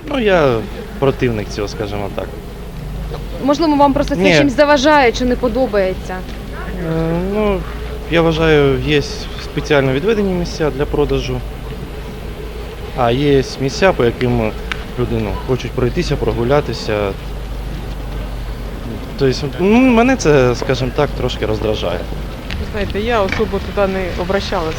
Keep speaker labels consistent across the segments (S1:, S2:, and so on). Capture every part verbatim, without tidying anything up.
S1: Ну, я противник цього, скажімо так.
S2: Можливо, вам просто це
S1: Ні.
S2: чимось заважає чи не подобається?
S1: Е, Ну, я вважаю, є спеціально відведені місця для продажу, а є місця, по яким люди ну, хочуть пройтися, прогулятися. Тобто, ну, мене це, скажімо так, трошки роздражає.
S3: Знаєте, я особо туди не обращалась.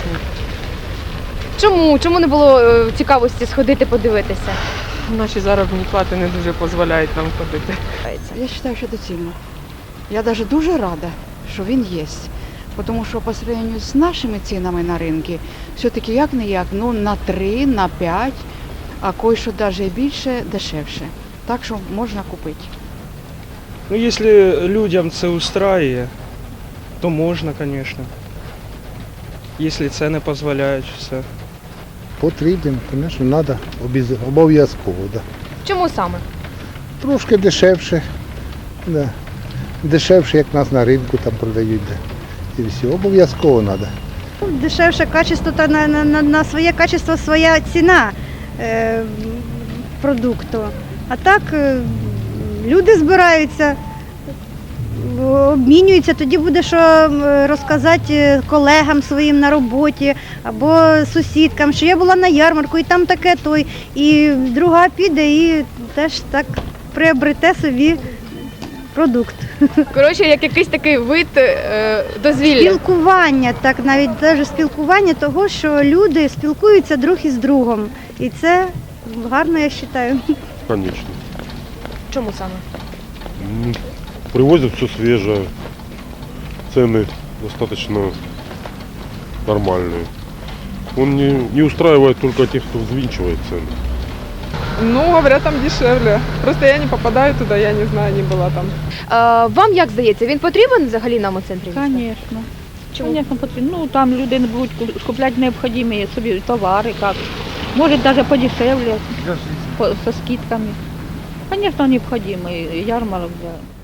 S2: Чому? Чому не було е, цікавості сходити подивитися?
S3: Наші заробітні плати не дуже дозволяють нам ходити.
S4: Я вважаю, що доцільно. Я навіть дуже рада, що він є. Тому що по сравнению з нашими цінами на ринку, все-таки як не як, ну на три, на п'ять, а кое-що навіть більше, дешевше. Так що можна купити.
S5: Ну, якщо людям це устраює, то можна, звісно. Якщо це не дозволяють все.
S6: Потрібен, звісно, треба, обов'язково. Да.
S2: Чому саме?
S6: Трошки дешевше, да. Дешевше, як нас на ринку там продають. Да. І все, обов'язково треба.
S7: Дешевше качество та на, на, на- на своє качество своя ціна е, продукту. А так е, люди збираються, обмінюються, тоді буде що е, розказати колегам своїм на роботі або сусідкам, що я була на ярмарку і там таке той, і друга піде і теж так приобрете собі продукт.
S2: Коротше, як якийсь такий вид е, дозвілля.
S7: Спілкування, так навіть навіть спілкування того, що люди спілкуються друг із другом. І це гарно, я вважаю.
S8: Конечно.
S2: Чому саме?
S8: М, Привозят все свежее. Цены достаточно нормальные. Он не, не устраивает только тех, кто взвинчивает цены.
S3: Ну, говорят, там дешевле. Просто я не попадаю туди, я не знаю, не була там.
S2: Е, вам як здається, він потрібен взагалі нам у центрі міста?
S9: Конечно.
S2: Чому?
S9: Конечно, потрібно. Ну, там люди не будуть ку- купляти необхідні собі товари, як. Може, навіть подешевле, по, со скидками. Конечно, необхідний ярмарок для